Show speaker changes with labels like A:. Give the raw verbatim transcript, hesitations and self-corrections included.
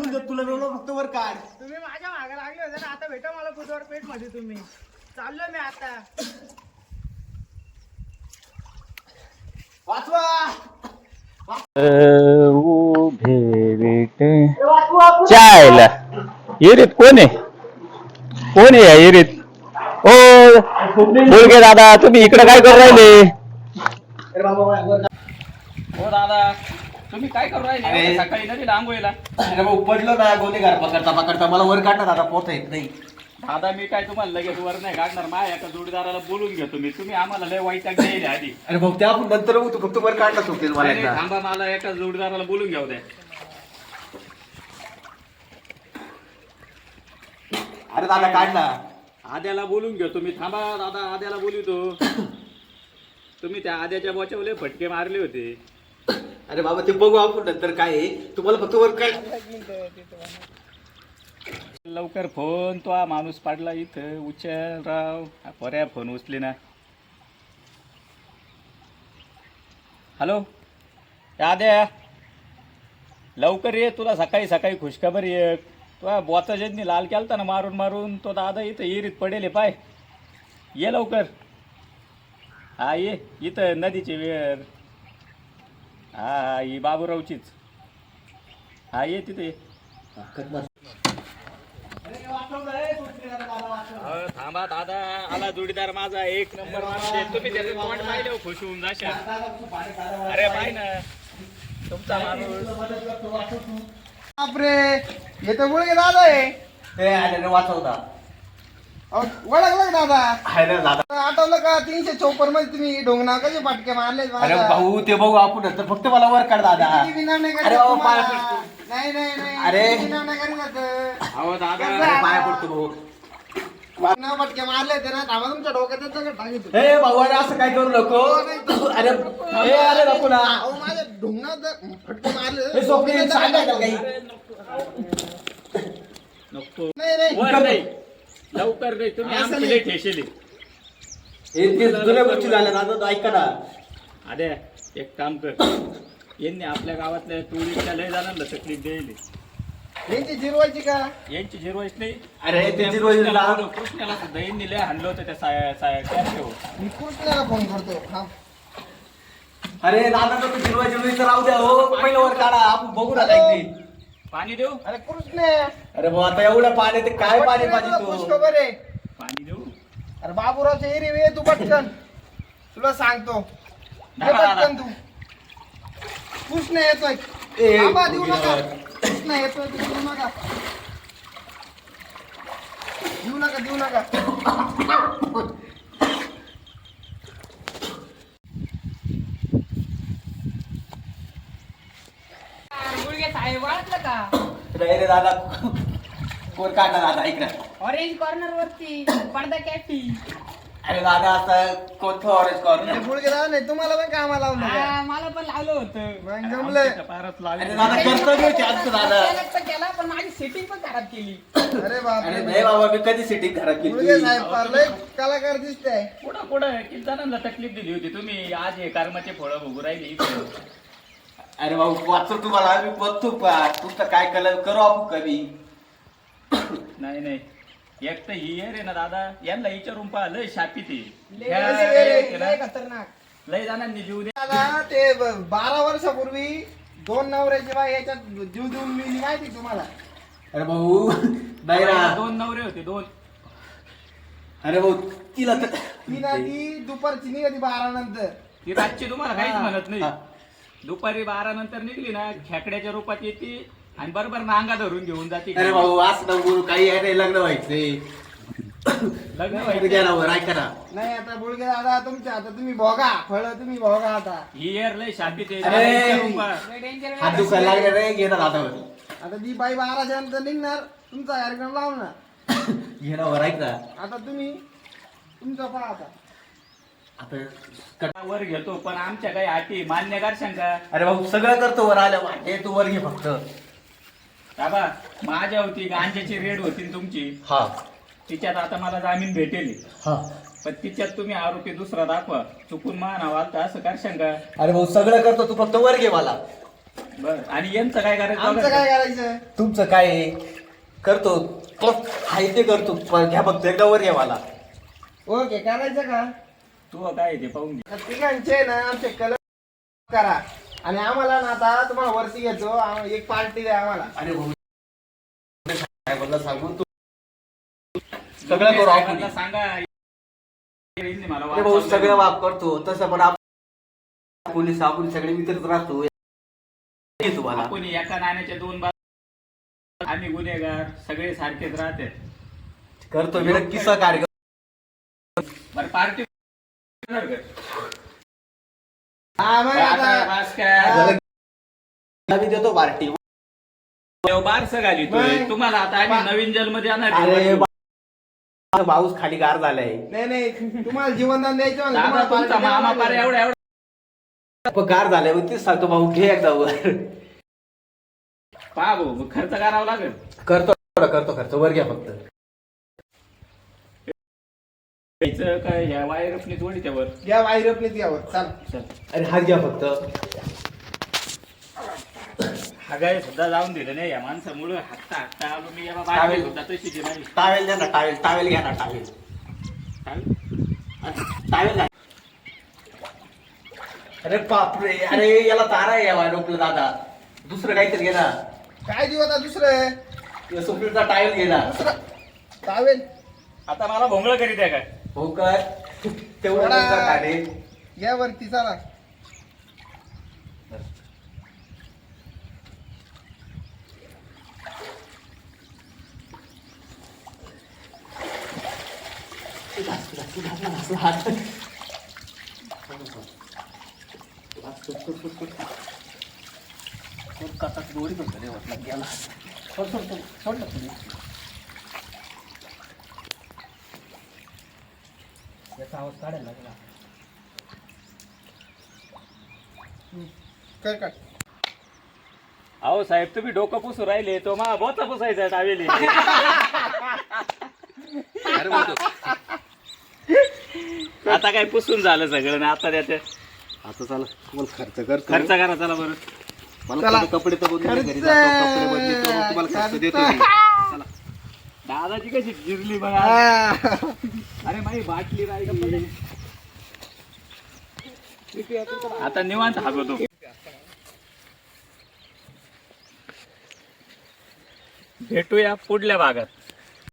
A: बोलून देत तुला रोल फक्त वर काढ.
B: तुम्ही माझ्या मागे लागले होते ना, आता भेटा मला बुधवार पेठ मध्ये. तुम्ही चाललो मी आता.
A: वाचवा
C: उभे बेट चायला येरीत कोण आहे कोण आहे या येरीत? ओ बोलगे दादा, तुम्ही इकडे काय करू राहिले?
D: हो दादा, तुम्ही काय करू राहिले सकाळी नदी आंघोळीला?
A: अरे भाऊ पडलो ना गोलीगार पकडता पकडता, मला वर काढणार आता, पोहता येत नाही.
D: दादा मी काय तुम्हाला लगेच वर नाही काढणार. माझ्या एका जोडीदाराला बोलून घेतो मी. तुम्ही आम्हाला लय वाईट द्यायला आधी.
A: अरे भाऊ त्या आपण नंतर तू फक्त वर काढला चुकेल मला
D: नाही,
A: एकदा.
D: थांबा, मला एका जोडीदाराला बोलून घ्याव द्या.
A: अरे दादा काढला.
D: आद्याला बोलून घेतो मी. थांबा दादा, आद्याला बोलवतो. तुम्ही त्या आद्याच्या बोच्यावर लय फटके मारले होते.
A: अरे बाबा ते बघू आपण नंतर काय आहे. तुम्हाला फक्त वर काढ.
D: लवकर फोन. तो हा माणूस पाडला इथं. उचल राव. पर्या फोन उचले ना. हॅलो आद्या, लवकर ये. तुला सकाळी सकाळी खुशखबर ये. तो बोचा ज्यांनी लाल केलता ना मारून मारून, तो दादा इथं इरीत पडेल पाय. ये लवकर. हा ये इथं नदीची वेळ. हा हा ही बाबूरावचीच. हा ये तिथे ये. थांबा दादा, आला जोडीदार माझा एक नंबर माणूस. तुम्ही त्याचं तोंड पाहिलं खुश होऊन जाशाल. अरे पाय ना तुमचा माणूस.
B: बापरे, हे तर मुलगे दादा आहे.
A: ते आले वाचवता.
B: वळखलं दादा?
A: अरे दादा,
B: आठवलं का तीनशे चौपन्न मध्ये तुम्ही ढोंगणा कसे फाटके मारले?
A: अरे भाऊ ते बघू आपण नंतर, फक्त मला वर काढ दादा. अरे बाबा पाय पडतो.
B: नाही नाही नाही,
A: अरे.
B: विनव नाही करीत आता.
D: अहो दादा,
A: अरे पाय पडतो भाऊ.
B: विनव फटके मारले होते ना, थांबा तुमच्या डोक्यात येतं का टाकीत?
A: हे भाऊ अरे असं काय करू नको. अरे हे अरे नको ना.
B: अहो माझ्या ढोंगणात फटके मारले
A: हे सोपे सांगायचं काही.
D: नको
B: नाही नाही.
D: वर नाही, लवकर नाही. तुम्ही
B: असं
D: आमची लय ठेशेली.
A: हे ते जुन्या गोष्टी झाल्या दादा, ऐका ना.
D: अरे एक काम कर, यांनी आपल्या गावातल्या टुरिस्टच्या लय जणांना तकलीफ द्यायली.
B: यांची जिरवायची का?
D: यांची झिरवाईच नाही.
A: अरे ते
D: त्या
A: जिरवाईला-
D: कृष्णाला कृष्णाला सुद्धा यांनी लय हाणलं होतं त्या साया साया कॅफेवर.
B: मी कृष्णाला फोन करतो. हा.
A: अरे दादा तो जिरवा जिरवी तर राहू द्या हो. पहिलं वर काढा, आपण बघू ना काहीतरी.
D: पाणी देऊ
B: अरे कृष्ण,
A: अरे भाऊ आता एवढं पाणी, ते काय पाणी पाहिजे तू.
B: खुशखबर आहे.
D: पाणी देऊ.
B: अरे बाबूरावच्या एरी वे तू पटकन, तुला सांगतो. ये
D: दादा, दादा.
B: पटकन तू. कृष्ण येतोय.
A: ए,
B: थांबा, देऊ नका.
A: गेल्यावर.
B: कृष्ण येतोय, तू देऊ नका. देऊ नका देऊ नका.
E: मुलगे साहेब वाटलं का?
A: नाही रे दादा, कोण काढणार दादा इकडे.
E: ऑरेंज कॉर्नर वरती पडदा कॅफी.
A: अरे दादा आता कोणतं ऑरेंज कॉर्नर.
B: मुलगे दादा नाही, तुम्हाला पण कामाला लावलं का?
E: हा, मला पण लावलं होतं.
B: मग जमलंय.
D: आमच्या पारात लावली.
A: अरे दादा कर्तव्य आमचं दादा.
E: केलं तर केला, पण माझी सेटिंग पण खराब केली.
B: अरे बाप
A: अरे नाही बाबा, मी कधी सिटिंग खराब
B: मुलगे
A: केली.
B: साहेब फार लय कलाकार दिसताय.
D: पुढं पुढं किती जणांना तकलीफ दिली होती तुम्ही. आज हे कर्माचे फळं भोगू राहिले इथे.
A: अरे भाऊ वाचतो तुम्हाला, आम्ही बघतो पा तुमचं काय कलर करू आपण कमी.
D: नाही नाही, एक तर ही आहे रे ना दादा, यांना विचारून पहा. लय शापी ती
E: लय-
D: ह्या
E: लय-
D: केलं.
E: लय खतरनाक.
D: लय जणांनी जीव दे.
B: दादा ते ब- बारा वर्षापूर्वी दोन नवऱ्याची बाई याच्यात जीव देऊन मिळली, माहिती तुम्हाला?
A: अरे भाऊ नाही ना.
D: दोन नवरे होते दोन.
A: अरे भाऊ तिला तर
B: ती ना ती दुपारची निघाली बारा नंतर.
D: ती रातची तुम्हाला काहीच
B: हा.
D: म्हणत नाही.
A: हा.
D: दुपारी बारा नंतर निघली ना, खेकड्याच्या रूपात येते आणि बरोबर नांगा धरून घेऊन जाते.
A: अरे भाऊ असं नको, काही आहे नाही, लग्न व्हायचंय.
D: लग्न
A: अरे
D: व्हायचं.
A: घ्या ना वर, ऐका ना.
B: नाही आता बुळगे दादा तुमच्या आता तुम्ही भोगा फळ, तुम्ही भोगा आता.
D: ही एअर लय शापी ते.
A: अरे.
D: विचारून पहा.
E: लय डेंजर
A: हात दुखायला लागले रे, घे ना दादावर.
B: आता ती बाई बाराच्या नंतर निघणार, तुमचा कार्यक्रम लावणार.
A: घे ना वर, ऐक ना.
B: आता तुम्ही तुमचा पहा आता.
A: आता कट-
D: वर घेतो, पण आमच्या काही अटी मान्य करशाल का?
A: अरे भाऊ सगळं करतो वर आल्या वाटे, तू वर घे फक्त.
D: बाबा माझ्या होती गांजाची रेड होती ना तुमची,
A: हा
D: तिच्यात आता मला जामीन भेटेल.
A: हा.
D: पण तिच्यात तुम्ही आरोपी दुसरा दाखवा. चुकून मान आवाल तर असं करशाल का?
A: अरे भाऊ सगळं करतो, तू फक्त वर घे मला.
D: बर आणि यांचं काय करायचं
B: आमचं काय करायचं?
A: तुमचं काय आहे? करतो तो आहे ते करतो पण घ्या फक्त एकदा वर घ्या मला.
B: ओके करायचं का?
D: तू काय आहे ते पाहून घे.
B: तर तिघांचे ना आमचे कलर करा आणि आम्हाला ना आता तुम्हाला वरती घेतो आम- एक पार्टी द्या आम्हाला.
A: अरे भाऊ काय बोलला सांगू तू सगळं करू आपण.
D: साहेबांना सांगा यांनी मला
A: अरे भाऊ
D: वाचवलंय.
A: सगळं वाप करतो तसं पण आपण पोलीस आपण सगळे मित्रच राहतो. हे तुम्हाला
D: आपण एका नाण्याच्या दोन बाजू आम्ही गुन्हेगार सगळे सारखेच राहते.
A: करतो मी नक्की सहकार्य.
D: बरं पार्टी
B: हा मग आता
A: झालं की आम्ही देतो पार्टी.
D: बारस घालितोय
B: नाही.
D: तुम्हाला आता आम्ही नवीन जन्म देणार
A: अरे
D: आहे.
A: बा- पाऊस खाली गार झालाय.
B: नाही नाही तुम्हाला जीवनदान द्यायचं म्हणलं,
D: दादा
B: तुम्हाला
D: तुमचा
B: party द्यावं
D: मामा पार
B: लागेल.
D: एवढा एवढा
A: पण गार झालाय मग तेच सांगतो भाऊ घे एकदा वर.
D: पहा भाऊ मग खर्च करावा लागेल.
A: करतो करतो खर्च वर घ्या फक्त.
D: यायचं काय ह्या वायर आपली जोडी त्यावर
B: घ्या वायरपने द्यावं चाल.
D: चल
A: अरे हात घ्या फक्त.
D: हागाय सुद्धा जाऊन दिलं नाही या माणसामुळं हाकता हाकता आलो मी याला
A: टावेल.
D: बाहेर सुद्धा तशी ती माझी
A: टावेल द्या ना टावेल टावेल घ्या ना टावेल. टावेल घ्या. अरे बापरे अरे याला तारा आहे या रोपलं दादा. दुसरं काहीतरी घे ना.
B: काय देऊ आता दुसरं?
A: सुप्रीमचा टावेल घे ना.
B: टावेल
D: आता मला भोंगळ करीत आहे काय
A: हो काय तेवढं
B: थोडा-
A: तुमचं काय
B: घ्या वरती चला. कर कर.
D: अहो साहेब तुम्ही डोकं पुसू राहिले तो मा बोचा पुसायचा टावेली आता काय पुसून झालं सगळं ना आता त्याच्या
A: आता चला तुम्हाला खर्च करतो.
D: खर्च करा चला बरं
A: मला
B: चला.
A: थोडे कपडे तर बदलून
B: खर्च.
A: घरी जातो. कपडे बदलतो मग तुम्हाला खर्च देतो मी. चला.
D: दादाची कशी गिरली बघा
B: हा.
D: अरे माझी बाटली राहिली आता निवांत हागवतो भेटूया पुढल्या भागात.